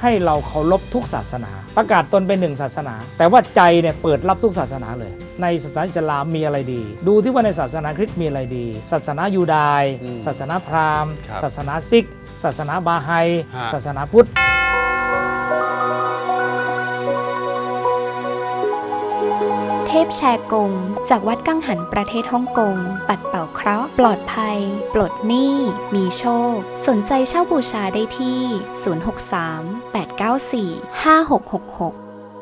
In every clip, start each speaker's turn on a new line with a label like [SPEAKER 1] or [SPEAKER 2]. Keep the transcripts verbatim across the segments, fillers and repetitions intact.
[SPEAKER 1] ให้เราเคารพทุกศาสนาประกาศตนเป็นหนึ่งศาสนาแต่ว่าใจเนี่ยเปิดรับทุกศาสนาเลยในศาสนาอิสลามมีอะไรดีดูที่ว่าในศาสนาคริสต์มีอะไรดีศาสนายูดาห์ศาสนาพราหมณ์ศาสนาซิกศาสนาบาไฮศาสนาพุทธ
[SPEAKER 2] เทพแชร์กงจากวัดกังหันประเทศฮ่องกงปัดเป่าเคราะห์ปลอดภัยปลดหนี้มีโชคสนใจเช่าบูชาได้ที่ศูนย์ หก สาม แปด เก้า สี่ ห้า หก หก หก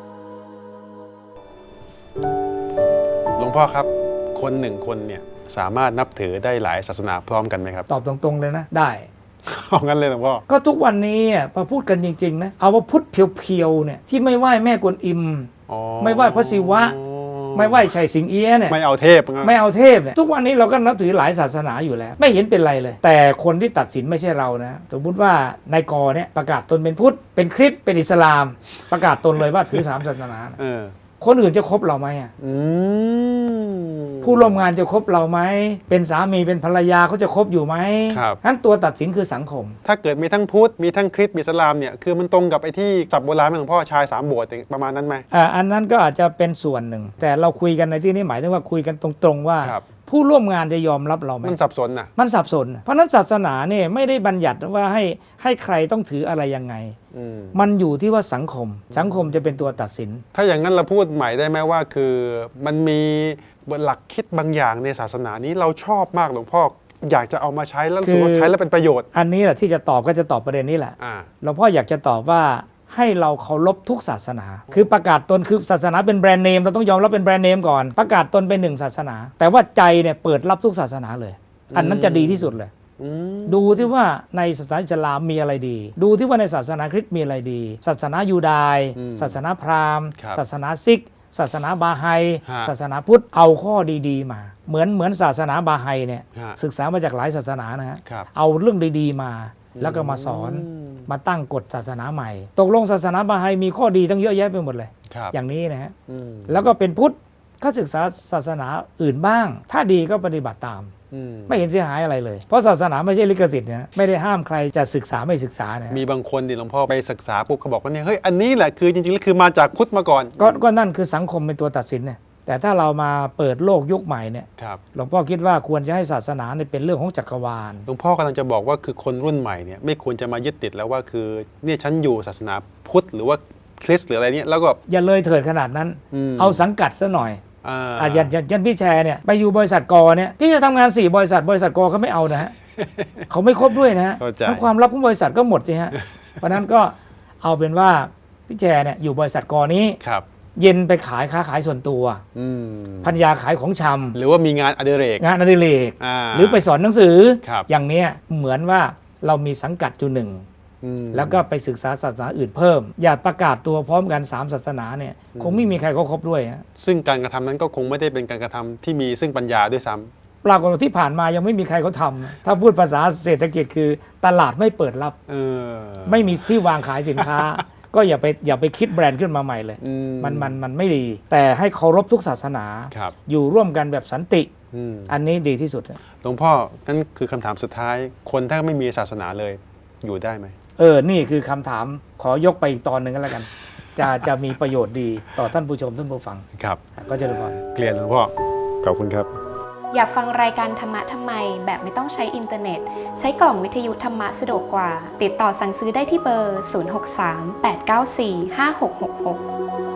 [SPEAKER 3] หลวงพ่อครับคนหนึ่งคนเนี่ยสามารถนับถือได้หลายศาสนาพร้อมกันไหมครับ
[SPEAKER 1] ตอบตรงๆเลยนะได้
[SPEAKER 3] เอางั้นเลยหลวงพ่อ
[SPEAKER 1] ก็ทุกวันนี้พอพูดกันจริงๆนะเอาว่าพุทธเพียวๆเนี่ยที่ไม่ไหว้แม่กวนอิมไม่ไหว้พระศิวะไม่ไหว้ชัยสิงเอี้ยเนี่ย
[SPEAKER 3] ไม่เอาเทพ
[SPEAKER 1] ไม่เอาเทพเนี่ยทุกวันนี้เราก็นับถือหลายศาสนาอยู่แล้วไม่เห็นเป็นไรเลยแต่คนที่ตัดสินไม่ใช่เรานะสมมติว่านายกอเนี่ยประกาศตนเป็นพุทธเป็นคริสต์เป็นอิสลามประกาศตนเลยว่าถือสามศาสนาคนอื่นจะคบเราไหมอ่ะผู้ร่วมงานจะคบเราไหมเป็นสามีเป็นภรรยาเขาจะคบอยู่ไหมครับนั้นตัวตัดสินคือสังคม
[SPEAKER 3] ถ้าเกิดมีทั้งพุทธมีทั้งคริสต์มีอิสลามเนี่ยคือมันตรงกับไอ้ที่ศัพท์โบราณหลวงพ่อชายสามโบสถ์ประมาณนั้นไหม
[SPEAKER 1] อ่าอันนั้นก็อาจจะเป็นส่วนหนึ่งแต่เราคุยกันในที่นี้หมายถึงว่าคุยกันตรงๆว่าผู้ร่วมงานจะยอมรับเราไหม
[SPEAKER 3] มันสับสนนะ
[SPEAKER 1] มันสับสนเพราะนั้นศาสนาเนี่ยไม่ได้บัญญัติว่าให้ให้ใครต้องถืออะไรยังไงมันอยู่ที่ว่าสังคมสังคมจะเป็นตัวตัดสิน
[SPEAKER 3] ถ้าอย่างนั้นเราพูดใหม่ได้ไหมว่าคือมันมีหลักคิดบางอย่างในศาสนานี้เราชอบมากหลวงพ่ออยากจะเอามาใช้แล้วรู้สึกว่าใช้แล้วเป็นประโยชน์
[SPEAKER 1] อันนี้แหละที่จะตอบก็จะตอบประเด็นนี้แหละหลวงพ่ออยากจะตอบว่าให้เราเคารพทุกศาสนาคือประกาศตนคือศาสนาเป็นแบรนด์เนมเราต้องยอมรับเป็นแบรนด์เนมก่อนประกาศตนเป็นหนึ่งศาสนาแต่ว่าใจเนี่ยเปิดรับทุกศาสนาเลยอันนั้นจะดีที่สุดเลยดูที่ว่าในศาสนาอิสลามมีอะไรดีดูที่ว่าในศาสนาคริสต์มีอะไรดีศาสนายูดาห์ศาสนาพราหมณ์ศาสนาซิกศาสนาบาไฮศาสนาพุทธเอาข้อดีๆมาเหมือนเหมือนศาสนาบาไฮเนี่ยศึกษามาจากหลายศาสนานะฮะเอาเรื่องดีๆมาแล้วก็มาสอนมาตั้งกฎศาสนาใหม่ตกลงศาสนาบาไฮมีข้อดีตั้งเยอะแยะไปหมดเลยอย่างนี้นะฮะแล้วก็เป็นพุทธก็ศึกษาศาสนาอื่นบ้างถ้าดีก็ปฏิบัติตามไม่เห็นเสียหายอะไรเลยเพราะศาสนาไม่ใช่ลิขสิทธิ์นะไม่ได้ห้ามใครจะศึกษาไม่ศึกษานะ
[SPEAKER 3] มีบางคนดิหลวงพ่อไปศึกษาปุ๊บเขาบอกว่าเนี่ยเฮ้ยอันนี้แหละคือจริงๆแล้วคือมาจากพุทธมาก่อน
[SPEAKER 1] ก็ก็นั่นคือสังคมเป็นตัวตัดสินเนี่ยแต่ถ้าเรามาเปิดโลกยุคใหม่เนี่ยหลวงพ่อคิดว่าควรจะให้ศาสนาเนี่ยเป็นเรื่องของจักรวาล
[SPEAKER 3] หลวงพ่อกำลังจะบอกว่าคือคนรุ่นใหม่เนี่ยไม่ควรจะมายึดติดแล้วว่าคือเนี่ยฉันอยู่ศาสนาพุทธหรือว่าคริสต์หรืออะไรเนี่ยแล้วก็
[SPEAKER 1] อย่าเลยเถิดขนาดนั้นเอาสังกัดซะหน่อยอาจารย์ยันพี่แชร์เนี่ยไปอยู่บริษัทกอเนี่ยที่จะทำงานสี่บริษัทบริษัทกอเขาไม่เอานะฮะเขาไม่ครบด้วยนะฮะทั้งความลับของบริษัทก็หมดสิฮะเพราะนั้นก็เอาเป็นว่าพี่แชร์เนี่ยอยู่บริษัทกอนี้เย็นไปขายค้าขายส่วนตัวพันยาขายของชำ
[SPEAKER 3] หรือว่ามีงานอดิเรก
[SPEAKER 1] งานอดิเรกหรือไปสอนหนังสืออย่างเนี้ยเหมือนว่าเรามีสังกัดอยู่หนึ่งแล้วก็ไปศึกษาศาสนาอื่นเพิ่มอย่าประกาศตัวพร้อมกันสามศาสนาเนี่ยคงไม่มีใครเขาครบด้วยฮะ
[SPEAKER 3] ซึ่งการกระทำนั้นก็คงไม่ได้เป็นการกระทำที่มีซึ่งปัญญาด้วยซ้
[SPEAKER 1] ำปรากฏว่าที่ผ่านมายังไม่มีใครเขาทำถ้าพูดภาษาเศรษฐกิจคือตลาดไม่เปิดรับไม่มีที่วางขายสินค้าก็อย่าไปอย่าไปคิดแบรนด์ขึ้นมาใหม่เลยมันมันมันไม่ดีแต่ให้เคารพทุกศาสนาอยู่ร่วมกันแบบสันติอันนี้ดีที่สุด
[SPEAKER 3] หลวงพ่อนั่นคือคำถามสุดท้ายคนถ้าไม่มีศาสนาเลยอยู่ได้ไหม
[SPEAKER 1] เออนี่คือคำถามขอยกไปอีกตอนหนึ่งก็แล้วกันจะจะมีประโยชน์ดีต่อท่านผู้ชมท่านผู้ฟัง
[SPEAKER 3] ครับ
[SPEAKER 1] ก็จะรู้ก่อน
[SPEAKER 3] เกลียดหลวงพ่อขอบคุณครับ
[SPEAKER 2] อยากฟังรายการธรรมะทำไมแบบไม่ต้องใช้อินเทอร์เน็ตใช้กล่องวิทยุธรรมะสะดวกกว่าติดต่อสั่งซื้อได้ที่เบอร์ศูนย์ หก สาม แปด เก้า สี่ ห้า หก หก หก